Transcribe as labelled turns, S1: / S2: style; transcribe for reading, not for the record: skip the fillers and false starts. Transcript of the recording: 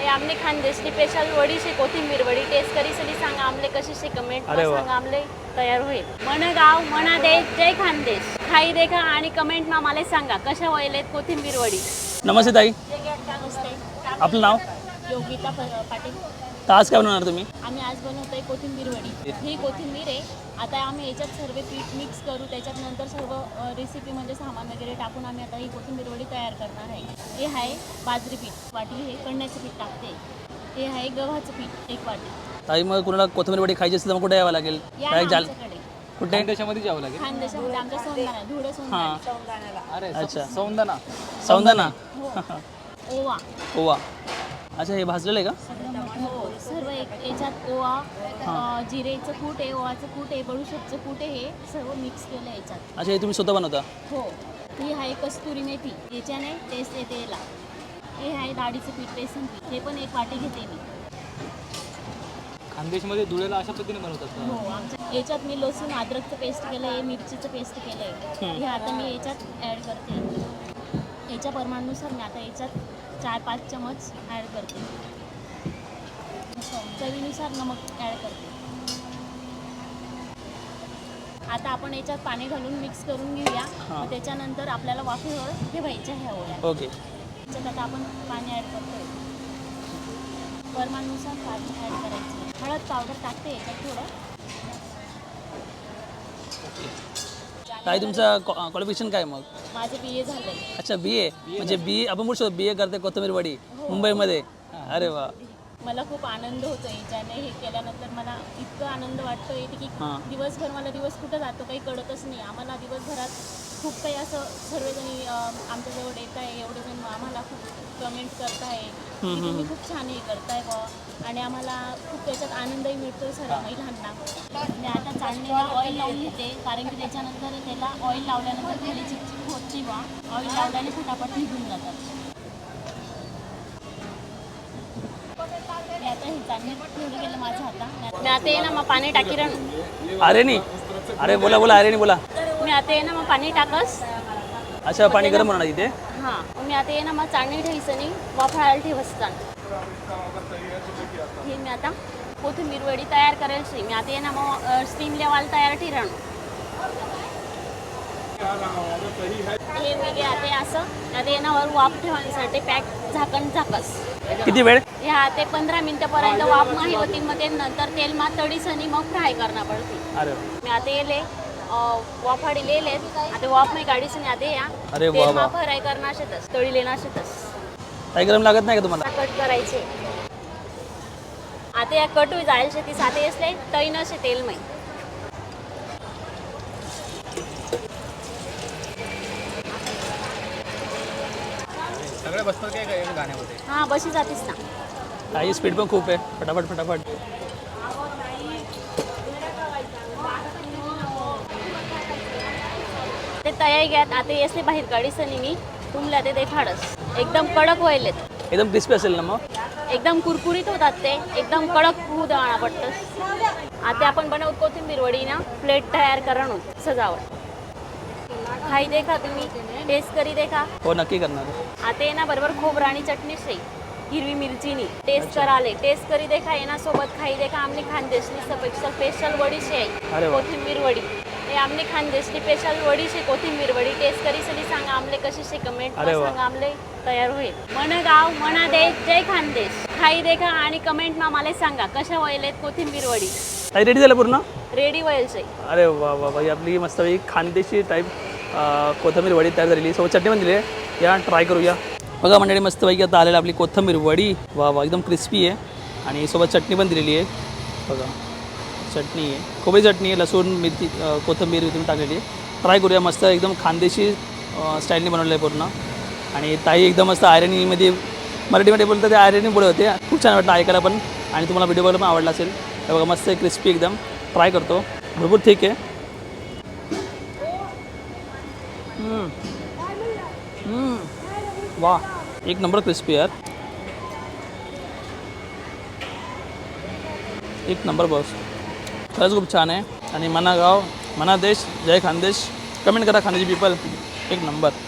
S1: हे आमने खानदेशी स्पेशल वडी से कोथिंबीर वडी टेस्ट करी सली सांगा आमले कशी से कमेंट सांगा आमले तयार होईल. मन गाव मना देश जय खानदेश. खाई देखा आणि कमेंट मा मला सांगा कशा व्हायलेत कोथिंबीर वडी.
S2: नमस्ते ताई,
S1: नमस्ते.
S2: आपलं नाव?
S1: योगिता पाटील.
S2: तर आज काय बनवणार तुम्ही?
S1: आम्ही आज बनवतोय कोथिंबीर वडी. ही कोथिंबीर आहे. आता आम्ही याच्यात सर्व पीठ मिक्स करू, त्याच्यात नंतर सर्व रेसिपी म्हणजे सामान वगैरे टाकून आम्ही आता ही कोथिंबीर वडी तयार करणार आहे. हे आहे बाजरी पीठ वाटी, हे कण्याचं पीठ टाकते. हे आहे गव्हाचं पीठ 1 वाटी.
S2: ताई मग कुणाला कोथिंबीर वडी खायची असेल तर मग कुठे यावं लागेल? काय जाल कुठे?
S3: खानदेशामध्ये जावं लागेल.
S1: खानदेशामध्ये आमच्या सौंदाणा धुळे सौंदाणा.
S3: अरे अच्छा, सौंदाणा.
S2: सौंदाणा.
S1: ओवा.
S2: ओवा. अच्छा, हे भाजलेलं आहे का?
S1: हो, सर्व याच्यात ओवा, जिरेचं कूट आहे, ओवाचं कूट आहे, बडूशेपचं कूट आहे, हे सर्व मिक्स केलं आहे याच्यात.
S2: अच्छा, हे तुम्ही स्वतः बनवता?
S1: हो. ही आहे कस्तुरी मेथी, याच्याने टेस्ट येते याला. हे आहे डाळीचं पीठ, बेसन पीठ, हे पण 1 वाटी घेते मी.
S3: खानदेशमध्ये धुळेला अशा पद्धतीने बनवतात.
S1: हो, आमच्या याच्यात मी लसूण अद्रकचं पेस्ट केलं आहे, मिरचीचं पेस्ट केलं आहे. हे आता मी याच्यात ॲड करते. याच्या प्रमाणानुसार मी आता याच्यात 4-5 चमच ॲड करते. चवीनुसार नमक ॲड करते. आता आपण याच्यात पाणी घालून मिक्स करून घेऊया. मग त्याच्यानंतर आपल्याला वाफेवर ठेवायच्या ह्या ओळ्या.
S2: ओके.
S1: त्याच्यात आता आपण पाणी ॲड करतोय. प्रमाणानुसार पाणी ॲड करायचं. हळद पावडर टाकते याच्यात थोडं.
S2: ताई तुमचं क्वालिफिकेशन काय मग?
S1: माझं BA झालंय.
S2: अच्छा, BA. म्हणजे BA आपण बोलू शकतो BA करते कोथिंबीर वडी मुंबईमध्ये. अरे वा.
S1: मला खूप आनंद होतो याच्याने. हे केल्यानंतर मला इतकं आनंद वाटतो येते की दिवसभर मला दिवस कुठं जातो काही कळतच नाही. आम्हाला दिवसभरात खूप काही असं सर्वजणी आमच्याजवळ येत आहे, एवढेजण आम्हाला खूप कमेंट करत आहे की तुम्ही खूप छान हे करताय बुवा, आणि आम्हाला खूप त्याच्यात आनंदही मिळतो सर्व महिलांना. मी आता चाळणीला ऑइल लावून घेते, कारण की त्याच्यानंतर त्याला ऑइल लावल्यानंतर खाली चिकचिक होत नाही बा. ऑइल लावल्याने फटाफट निघून जातात. मी आता हे चांगलं ठेवलं गेलं माझ्या हातात. मी आता ये ना मग पाणी टाकी रण.
S2: अरे नाही, अरे बोला बोला, अरे नाही बोला.
S1: मी आता ये ना मग पाणी टाकस.
S2: अच्छा, पाणी गरम होणार इथे?
S1: हां, मी आता ये ना मग चाळणी ठेवायचं नाही, वाफाळायला ठेवसतान. हे मी आता कोथिंबीर वडी तयार करायची. मी आता ये ना मग स्टीम लेवाल तयार ठिरण. हे मी आता असं आता येण्यावर वाफ ठेवण्यासाठी पॅक झाकण झाकस.
S2: किती वेळ?
S1: ह्या ते 15 मिनिटापर्यंत वाफ नाही होती. मग ते नंतर तेल मा तडीसनी मग फ्राय करणं पडते.
S2: अरे
S1: मी आता येले वाफाडी लेलेत. आता वाफ मी गाडीसनी आता या
S2: अरे वा
S1: तेल मा
S2: वा.
S1: फ्राय करणं शेतच तळी लेणं शेतच.
S2: काही गरम लागत नाही का तुम्हाला?
S1: कट करायचे. आता या कट होई जायला शेती साथे असले तळी नसे तेल मै.
S3: सगळे बसतात काय गाण्यामध्ये?
S1: हां, बशी जातीस ना.
S2: काही स्पीड पण खूप आहे. फटाफट फटाफट.
S1: ते तयारी घ्यात. आता येसले बाहेर काढीसनी मी तुमला ते देखाडस. एकदम कडक व्हायलेत.
S2: एकदम क्रिस्पी असेल ना मग?
S1: एकदम कुरकुरीत होतात ते. एकदम कडक होऊ द्यावा पडतंस. आता आपण बनवत कोथिंबीर वडी ना प्लेट तयार करणं सजावट. खाई देखा तुम्ही, टेस्ट करी देखा.
S2: हो, नक्की करणार.
S1: आता ये ना बरोबर खोबरं आणि चटणी से हिरवी मिरचीनी टेस्ट कराले. टेस्ट करी देखा. येना सोबत खाई देखा आमने खानदेशी स्पेशल वडी से
S2: अरे वा.
S1: कोथिंबीर वडी. हे आमने खानदेशी स्पेशल वडी से कोथिंबीर वडी टेस्ट करी सली सांगा आमले कशी से कमेंट सांगा आमले तयार होईल. मन गाव मना देश जय खानदेश. खाई देखा आणि कमेंट मा मला सांगा कशा व्हायलेत कोथिंबीर वडी.
S2: ताई रेडी झालं पूर्ण?
S1: रेडी व्हायचे.
S2: अरे वा वा वा. आपली मस्त खानदेशी टाईप कोथिंबीर वडी तयार झालेली. सोबत चटणी पण दिली आहे. या ट्राय करूया. बघा मंडळी, मस्तपैकी आता आलेली आपली कोथिंबीर वडी. वा वा, एकदम क्रिस्पी आहे. आणि सोबत चटणी पण दिलेली आहे. बघा, चटणी आहे, खोबरी चटणी आहे, लसूण मिरची कोथिंबीर तुम्ही टाकलेली आहे. ट्राय करूया. मस्त एकदम खानदेशी स्टाईलने बनवलं आहे पूर्ण. आणि ताई एकदम मस्त आयरनीमध्ये मराठीमध्ये बोलतात ते आयरनी पुढे होते. खूप छान वाटलं ऐकायला पण. आणि तुम्हाला व्हिडिओ बघायला पण आवडला असेल. तर बघा, मस्त क्रिस्पी एकदम. ट्राय करतो. भरपूर ठीक आहे. वा, एक नंबर क्रिस्पी यार. एक नंबर बॉस. खरंच खूप छान आहे. आणि मना गाव मना देश जय खानदेश. कमेंट करा खानदेशी पीपल. एक नंबर.